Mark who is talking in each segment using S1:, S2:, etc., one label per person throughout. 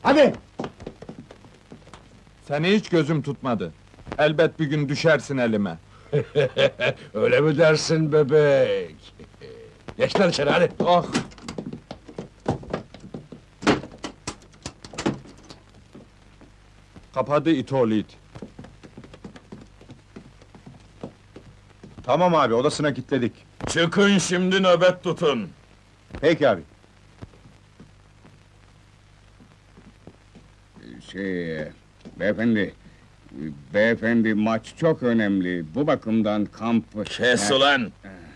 S1: Hadi!
S2: Seni hiç gözüm tutmadı. Elbet bir gün düşersin elime.
S1: Öyle mi dersin bebek? Geç lan içeri hadi!
S2: Ah! Kapadı it oğlu it.
S3: Tamam abi, odasına kilitledik.
S4: Çıkın şimdi nöbet tutun.
S3: Peki abi.
S5: Beyefendi maç çok önemli. Bu bakımdan kamp...
S4: Kes ulan!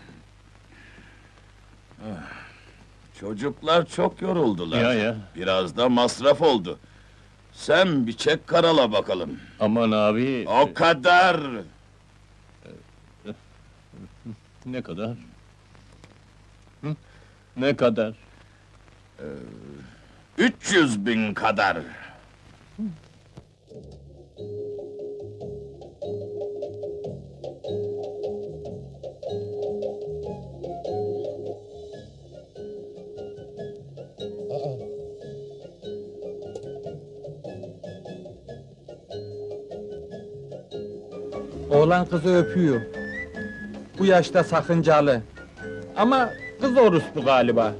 S4: Çocuklar çok yoruldular.
S6: Ya.
S4: Biraz da masraf oldu. Sen bir çek karala bakalım.
S6: Aman abi.
S4: O kadar!
S6: Ne kadar? Hı? Ne kadar?
S4: 300.000 kadar.
S2: Oğlan kızı öpüyor. Bu yaşta sakıncalı. Ama kız orospu galiba.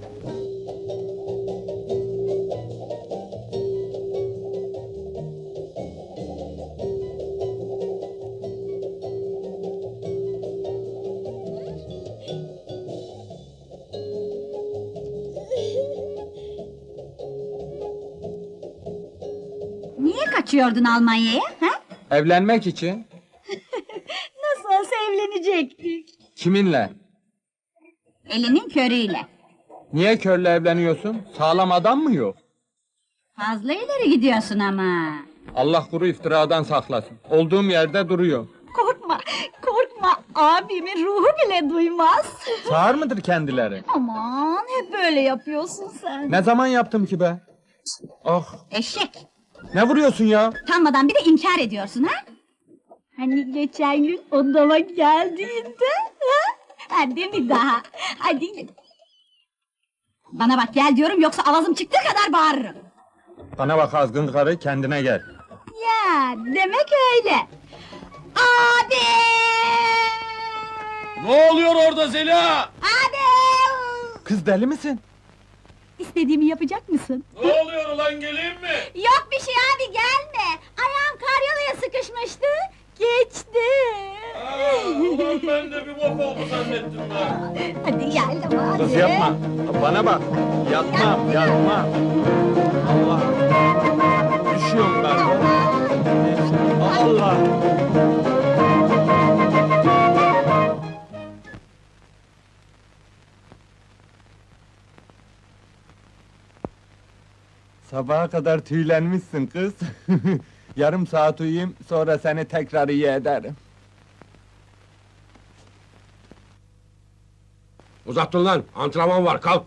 S7: Niye kaçıyordun Almanya'ya, ha?
S2: Evlenmek için.
S7: Nasıl olsa evlenecektik.
S2: Kiminle?
S7: Elinin körüyle.
S2: Niye körle evleniyorsun? Sağlam adam mı yok?
S7: Fazla ileri gidiyorsun ama.
S2: Allah kuru iftiradan saklasın. Olduğum yerde duruyor.
S7: Korkma, korkma. Abimin ruhu bile duymaz.
S2: Sağır mıdır kendileri?
S7: Aman, hep böyle yapıyorsun sen.
S2: Ne zaman yaptım ki be? Ah!
S7: Eşek.
S2: Ne vuruyorsun ya?
S7: Utanmadan bir de inkar ediyorsun, ha? Hani geçen gün odama geldiğinde, ha? Hadi bir daha, hadi. Bana bak, gel diyorum, yoksa avazım çıktığı kadar bağırırım.
S2: Bana bak azgın karı, kendine gel.
S7: Ya, demek öyle. Abi!
S4: Ne oluyor orada Zeliha?
S7: Abi!
S2: Kız deli misin?
S7: İstediğimi yapacak mısın?
S4: Ne oluyor ulan, geleyim mi?
S7: Yok bir şey abi, gelme. Ayağım karyolaya sıkışmıştı. Geçti.
S4: Ulan ben de bir bok oldu zannettim ben.
S7: Hadi gel hadi.
S2: Kız yapma. Bana bak. Yapma. Allah. Düşüyorum ben. Allah. Sabaha kadar tüylenmişsin kız. Yarım saat uyuyayım, sonra seni tekrar iyi ederim.
S1: Uzattın lan, antrenman var, kalk!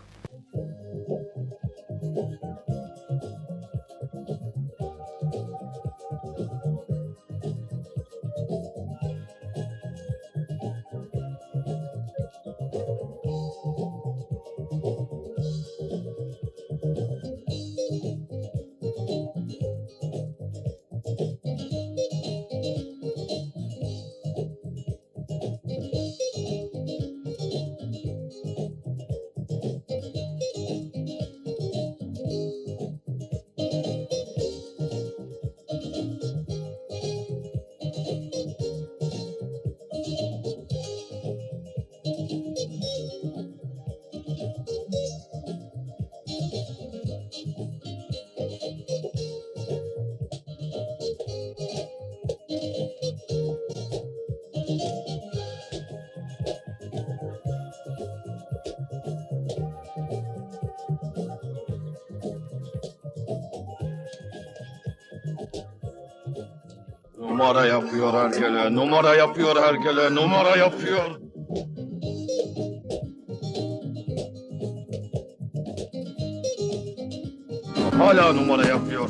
S4: Numara yapıyor herkele, numara yapıyor herkele, numara yapıyor. Hala numara yapıyor.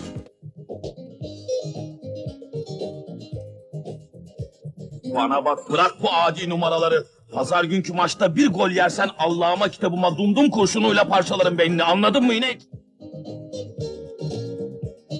S4: Bana bak, bırak bu adi numaraları. Pazar günkü maçta bir gol yersen Allah'ıma kitabıma dumdum kurşunuyla parçalarım beynini, anladın mı inek?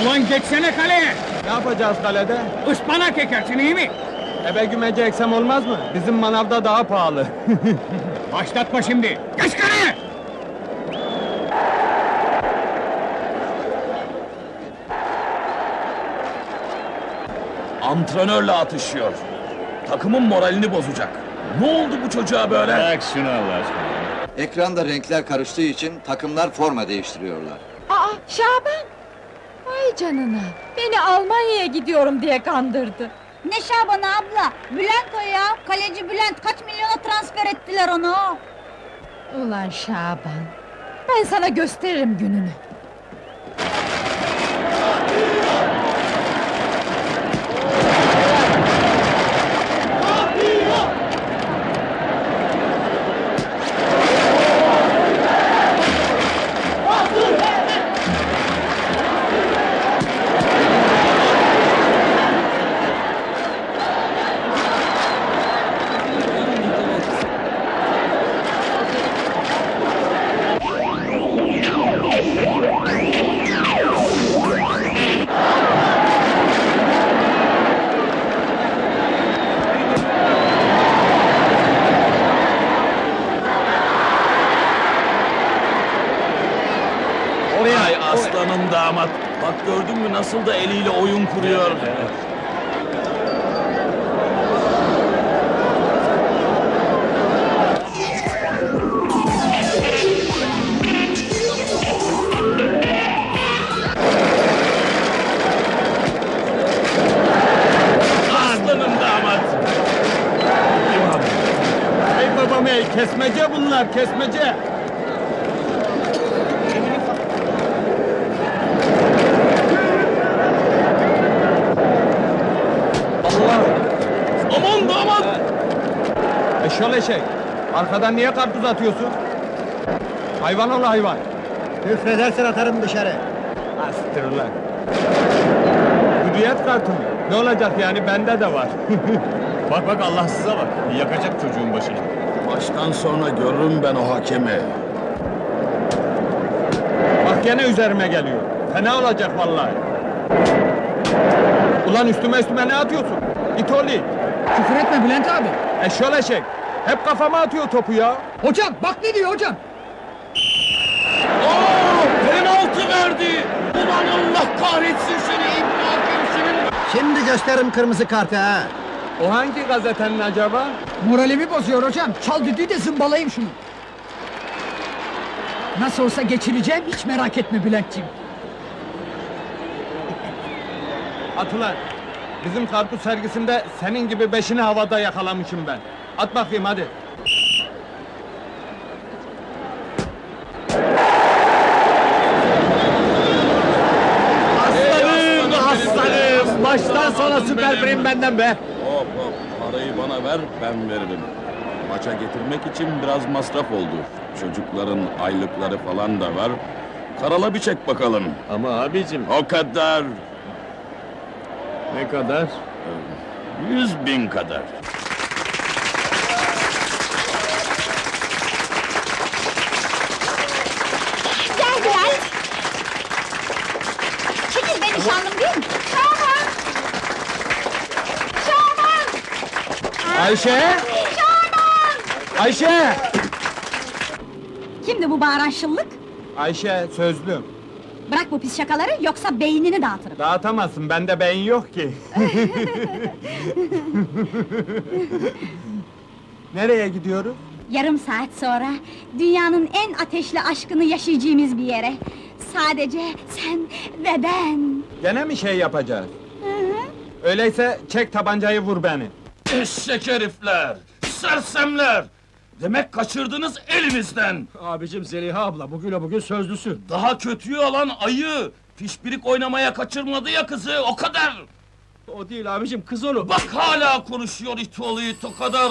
S5: Ulan geçsene kaleye!
S2: Ne yapacağız kalede?
S5: Ispanak ekersin iyi mi?
S2: Ebe gümeci eksem olmaz mı? Bizim manavda daha pahalı.
S5: Başlatma şimdi! Geç kaleye!
S4: Antrenörle atışıyor. Takımın moralini bozacak. Ne oldu bu çocuğa böyle?
S6: Bırak şunu Allah aşkına.
S8: Ekranda renkler karıştığı için takımlar forma değiştiriyorlar.
S9: Aa, Şaban! Vay canına! Beni Almanya'ya gidiyorum diye kandırdı.
S7: Ne Şaban abla? Bülent o ya. Kaleci Bülent kaç milyona transfer ettiler onu.
S9: Ulan Şaban! Ben sana gösteririm gününü.
S4: Ay aslanım damat. Bak gördün mü nasıl da eliyle oyun kuruyor. Aslanım damat.
S2: Ey babam ey, kesmece bunlar, kesmece! Allah!
S4: Aman damat.
S2: Eşyol eşek! Arkadan niye karpuz atıyorsun? Hayvan ol hayvan!
S8: Küfredersen atarım dışarı.
S2: Astır ulan! Hürriyet kartı mı? Ne olacak yani, bende de var.
S6: Bak bak Allahsıza bak. Yakacak çocuğun başını.
S4: Maçtan sonra görürüm ben o hakemi.
S2: Bak gene üzerime geliyor. Fena olacak vallahi. Ulan üstüme ne atıyorsun? İt oğlu!
S10: Küfür etme Bülent abi.
S2: Eşyol eşek! Hep kafama atıyor topu ya!
S10: Hocam bak ne diyor hocam.
S4: Penaltı verdi. Ulan Allah kahretsin seni İbni Hakem senin.
S8: Şimdi gösteririm kırmızı kartı ha.
S2: O hangi gazetenin acaba?
S10: Moralimi bozuyor hocam. Çal düdüğü de zımbalayayım şunu. Nasıl olsa geçireceğim, hiç merak etme Bülentciğim.
S2: At ulan! Bizim karpuz sergisinde senin gibi beşini havada yakalamışım ben. At bakayım hadi.
S4: Aslanım.
S2: Baştan sona süper prim benden be!
S4: Hop hop parayı bana ver ben veririm. Maça getirmek için biraz masraf oldu. Çocukların aylıkları falan da var. Karala bir çek bakalım.
S6: Ama abicim
S4: O kadar.
S6: ne kadar?
S4: 100.000 kadar.
S7: Gel Bülent. Çekil be nişanlım değil mi? Şaban! Şaban!
S2: Ayşe!
S7: Şaban!
S2: Ayşe!
S7: Kimdi bu bağıran şıllık?
S2: Ayşe, sözlüm.
S7: Bırak bu pis şakaları yoksa beynini dağıtırım.
S2: Dağıtamazsın, bende beyin yok ki. Nereye gidiyoruz?
S7: Yarım saat sonra dünyanın en ateşli aşkını yaşayacağımız bir yere. Sadece sen ve ben.
S2: Gene mi şey yapacağız? Öyleyse çek tabancayı vur beni.
S4: Eşek herifler! Sersemler! Demek kaçırdınız elimizden!
S10: Abicim Zeliha abla bugün sözlüsü.
S4: Daha kötüyü alan ayı! Pişpirik oynamaya kaçırmadı ya kızı, o kadar!
S10: O değil abicim, kız onu.
S4: Bak hala konuşuyor it oğlu it, o kadar!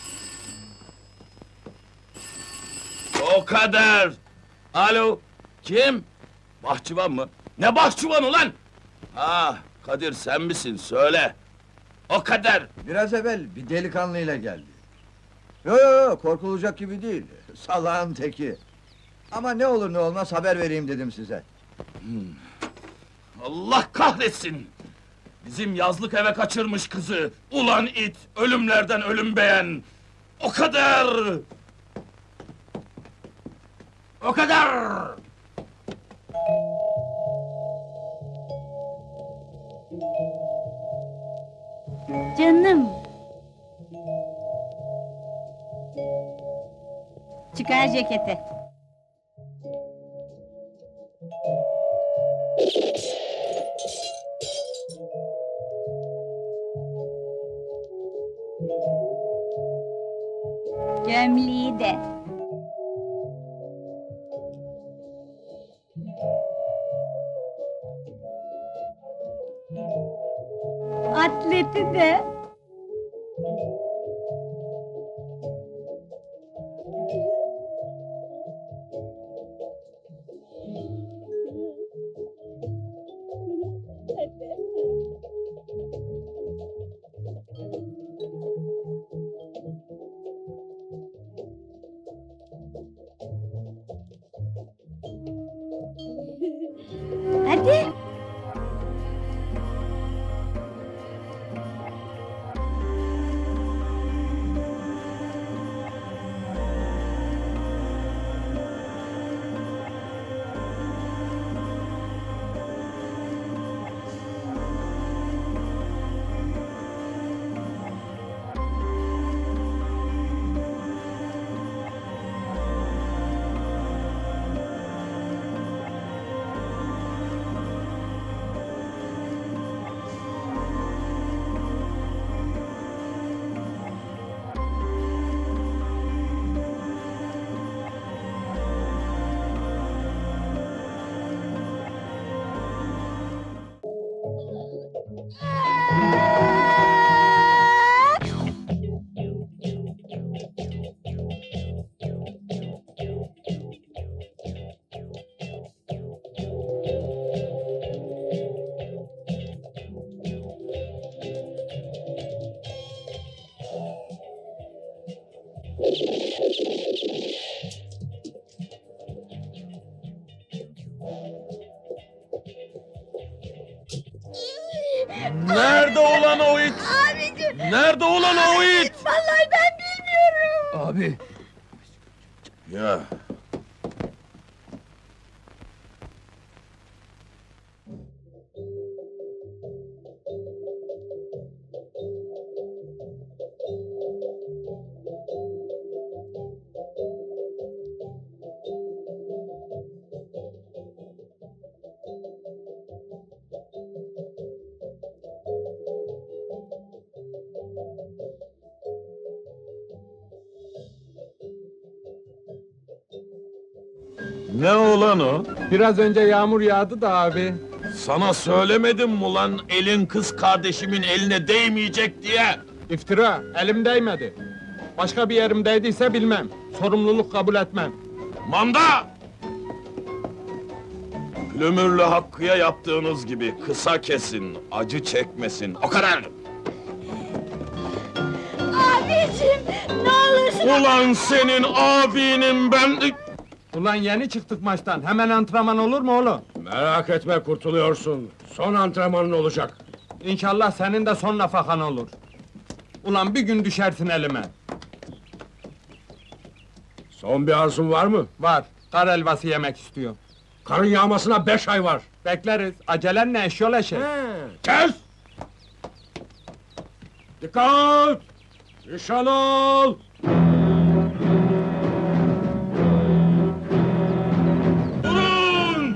S4: O kadar! Alo, kim? Bahçıvan mı? Ne bahçıvan ulan? Ah, Kadir sen misin, söyle! O kadar!
S8: Biraz evvel bir delikanlıyla geldi. Yo, korkulacak gibi değil. Salağın teki. Ama ne olur ne olmaz haber vereyim dedim size.
S4: Allah kahretsin! Bizim yazlık eve kaçırmış kızı! Ulan it! Ölümlerden ölüm beğen! O kadar! O kadar!
S7: Canım. Çıkar ceketi. Gömleği de. Atleti de. Hadi.
S4: Nerede ulan o it?
S7: Abicim.
S4: Nerede ulan o it?
S7: Vallahi ben bilmiyorum.
S1: Abi,
S4: Ya, ne ulan o?
S2: Biraz önce yağmur yağdı da abi.
S4: Sana söylemedim mi ulan elin kız kardeşimin eline değmeyecek diye?
S2: İftira, elim değmedi. Başka bir yerim değdiyse bilmem. Sorumluluk kabul etmem.
S4: Manda! Plümürlü Hakkı'ya yaptığınız gibi kısa kesin, acı çekmesin, o kadar!
S7: Abicim ne olursun.
S4: Ulan senin abinin ben...
S2: Ulan yeni çıktık maçtan, hemen antrenman olur mu oğlum?
S1: merak etme kurtuluyorsun. Son antrenmanın olacak.
S2: İnşallah senin de son nafakan olur. Ulan bir gün düşersin elime.
S1: Son bir arzun var mı?
S2: Var, kar helvası yemek istiyor.
S1: Karın yağmasına 5 ay var.
S2: Bekleriz, acelen ne eşyol eşek.
S1: Kes! Dikkat! Nişan al!
S4: Durun!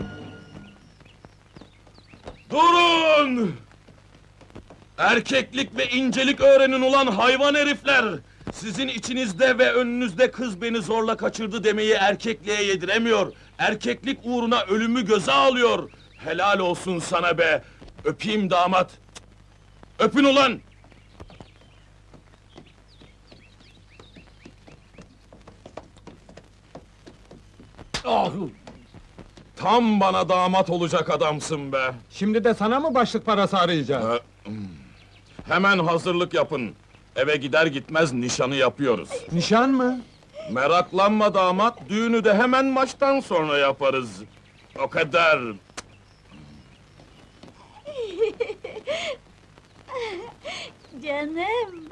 S4: Durun! Erkeklik ve incelik öğrenin ulan hayvan herifler! Sizin içinizde ve önünüzde kız beni zorla kaçırdı demeyi erkekliğe yediremiyor. Erkeklik uğruna ölümü göze alıyor. Helal olsun sana be! Öpeyim damat! Öpün ulan!
S1: Ah!
S4: Tam bana damat olacak adamsın be!
S2: Şimdi de sana mı başlık parası arayacağız?
S4: Hemen hazırlık yapın. Eve gider gitmez nişanı yapıyoruz.
S2: Nişan mı?
S4: Meraklanma damat, düğünü de hemen maçtan sonra yaparız. O kadar.
S7: canım.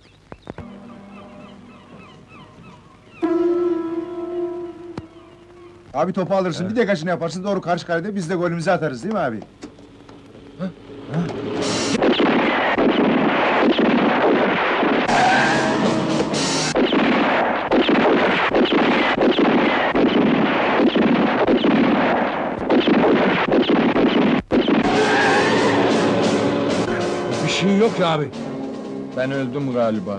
S3: Abi topu alırsın, bir de kaçını yaparsın, doğru karşı kalede biz de golümüzü atarız değil mi abi?
S1: Bir şey yok ya abi.
S2: Ben öldüm galiba.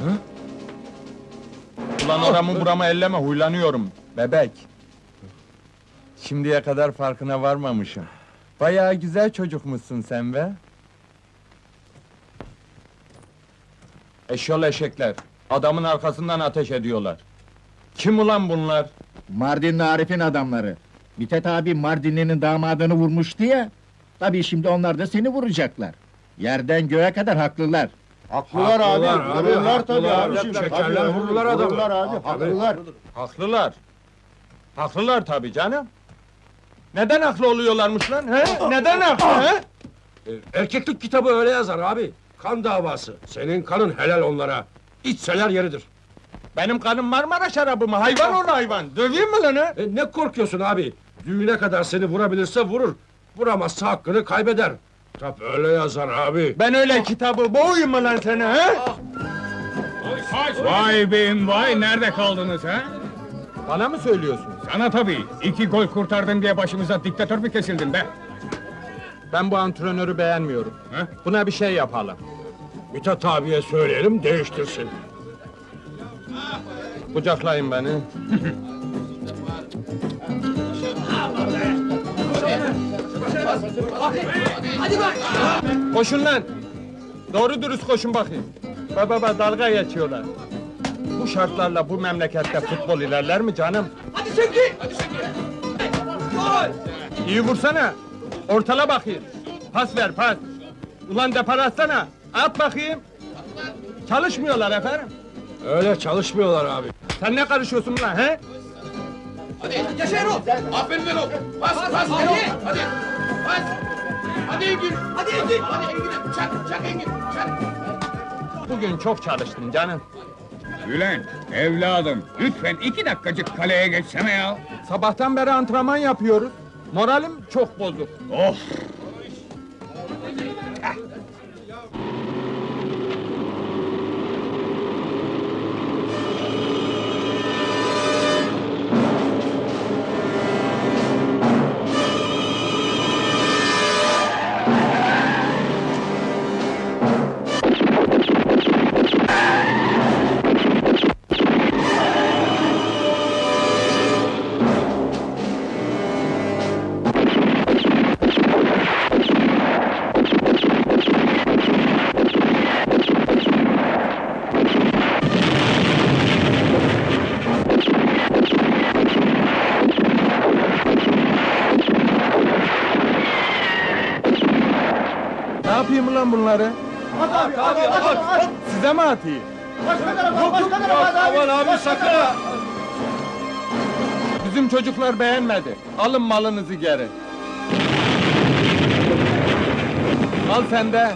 S2: Ulan oramı buramı elleme, huylanıyorum. Bebek. Şimdiye kadar farkına varmamışım. Bayağı güzel çocukmuşsun sen be. Eşyol eşekler. Adamın arkasından ateş ediyorlar. Kim ulan bunlar?
S11: Mardinli Arif'in adamları. Mithat abi Mardinli'nin damadını vurmuştu ya. Tabii şimdi onlar da seni vuracaklar. Yerden göğe kadar haklılar.
S3: Haklılar abi, vururlar tabii
S1: haklılar.
S3: abiciğim.
S1: Şekerler
S3: Tabii,
S1: vururlar adamı.
S3: Vururlar abi, haklılar.
S2: Haklılar. Haklılar tabii canım. Neden haklı oluyorlarmış lan? He? Neden haklı? He?
S1: Erkeklik kitabı öyle yazar abi. Kan davası. Senin kanın helal onlara. İçseler yeridir.
S2: Benim kanım Marmara şarabı mı? Hayvan ol hayvan! Döveyim mi lan he?
S1: Ne korkuyorsun abi? Düğüne kadar seni vurabilirse vurur. Vuramazsa hakkını kaybeder. Kitap öyle yazar abi.
S2: Ben öyle kitabı boğayım mı lan seni he?
S5: Vay beyim vay, nerede kaldınız ha?
S2: Bana mı söylüyorsun?
S5: Sana tabii, 2 gol kurtardın diye başımıza diktatör mü kesildin be?
S2: Ben bu antrenörü beğenmiyorum.
S5: He?
S2: Buna bir şey yapalım.
S1: Mithat abiye söyleyelim değiştirsin.
S2: Kucaklayın beni. Koşun lan! Doğru dürüst koşun bakayım. Baba dalga geçiyorlar. Bu şartlarla bu memlekette futbol ilerler mi canım? Hadi Şevki! İyi vursana! Ortala bakayım! Pas ver pas! Ulan depar atsana! At bakayım! Çalışmıyorlar efendim!
S1: Öyle çalışmıyorlar abi.
S2: Sen ne karışıyorsun lan he? Bugün çok çalıştım canım.
S5: Bülent, evladım, lütfen 2 dakikacık kaleye geçsene ya.
S2: Sabahtan beri antrenman yapıyoruz. Moralim çok bozuk.
S5: Of!
S2: Ne yapayım lan bunları? Size mi atayım?
S1: Aman abi sakın ha!
S2: Bizim çocuklar beğenmedi. Alın malınızı geri. Al sen de.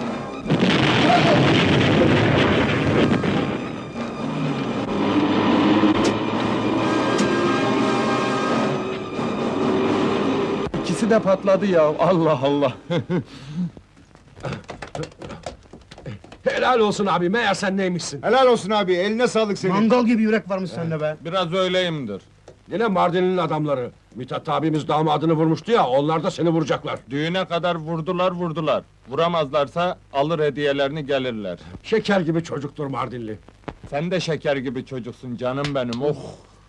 S2: İkisi de patladı ya. Allah Allah.
S1: Helal olsun abi, meğer sen neymişsin?
S3: Helal olsun abi, eline sağlık senin.
S11: Mangal gibi yürek varmış sende be.
S2: Biraz öyleyimdir.
S1: Yine Mardin'in adamları. Mithat abimiz damadını vurmuştu ya, onlar da seni vuracaklar.
S2: Düğüne kadar vurdular. Vuramazlarsa alır hediyelerini gelirler.
S1: Şeker gibi çocuktur Mardinli.
S2: Sen de şeker gibi çocuksun canım benim. Oh.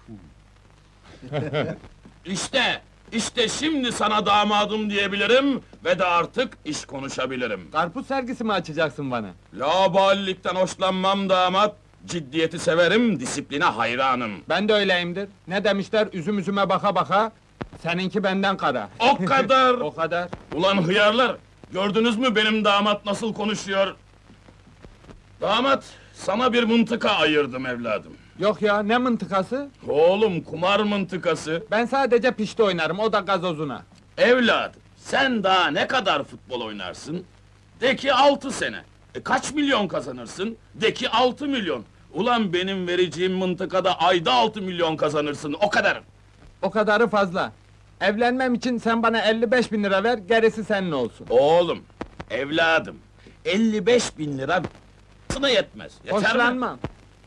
S4: İşte şimdi sana damadım diyebilirim ve de artık iş konuşabilirim.
S2: Karpuz sergisi mi açacaksın bana?
S4: Laubalilikten hoşlanmam damat, ciddiyeti severim, disipline hayranım.
S2: Ben de öyleyimdir. Ne demişler? Üzüm üzüme baka baka. Seninki benden kara.
S4: O kadar!
S2: O kadar.
S4: Ulan hıyarlar! Gördünüz mü benim damat nasıl konuşuyor? Damat, sana bir mıntıka ayırdım evladım.
S2: Yok ya, ne mıntıkası?
S4: Oğlum, kumar mıntıkası.
S2: Ben sadece pişti oynarım, o da gazozuna.
S4: Evladım, sen daha ne kadar futbol oynarsın? De ki 6 sene. Kaç milyon kazanırsın? De ki 6 milyon. Ulan benim vereceğim mıntıkada ayda 6 milyon kazanırsın, o kadar.
S2: O kadarı fazla. Evlenmem için sen bana 55 bin lira ver, gerisi senin olsun.
S4: Oğlum, evladım, 55 bin lira sana yetmez. Yeter mi?
S2: Hoşlanmam.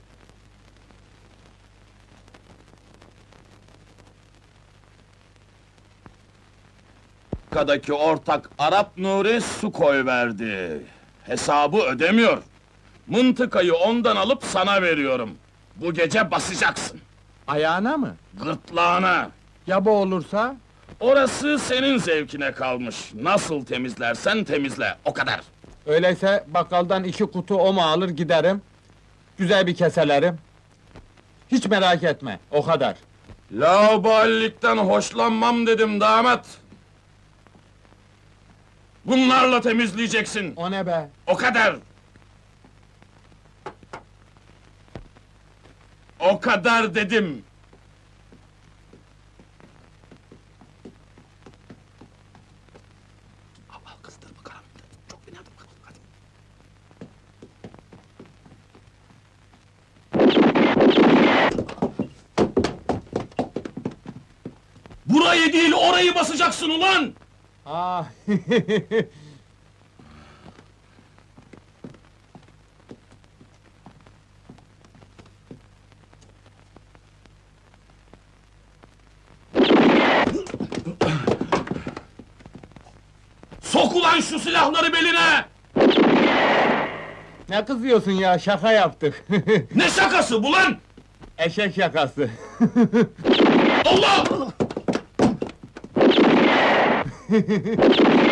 S4: Kadaki ortak Arap Nuri su koyverdi. Hesabı ödemiyor. Mıntıkayı ondan alıp sana veriyorum. Bu gece basacaksın.
S2: Ayağına mı?
S4: Gırtlağına.
S2: Ya bu olursa?
S4: Orası senin zevkine kalmış. Nasıl temizlersen temizle, o kadar.
S2: Öyleyse bakkaldan 2 kutu oma alır giderim. Güzel bir keselerim. Hiç merak etme, o kadar.
S4: Laubalilikten hoşlanmam dedim damat. Bunlarla temizleyeceksin.
S2: O ne be?
S4: O kadar. O kadar dedim. Al kızdır bakalım. Çok fena dur bakalım, hadi. Burayı değil, orayı basacaksın ulan!
S2: Ah.
S4: Sok ulan şu silahları beline!
S2: Ne kızıyorsun ya, şaka yaptık.
S4: Ne şakası bu lan?
S2: Eşek şakası.
S4: Allah!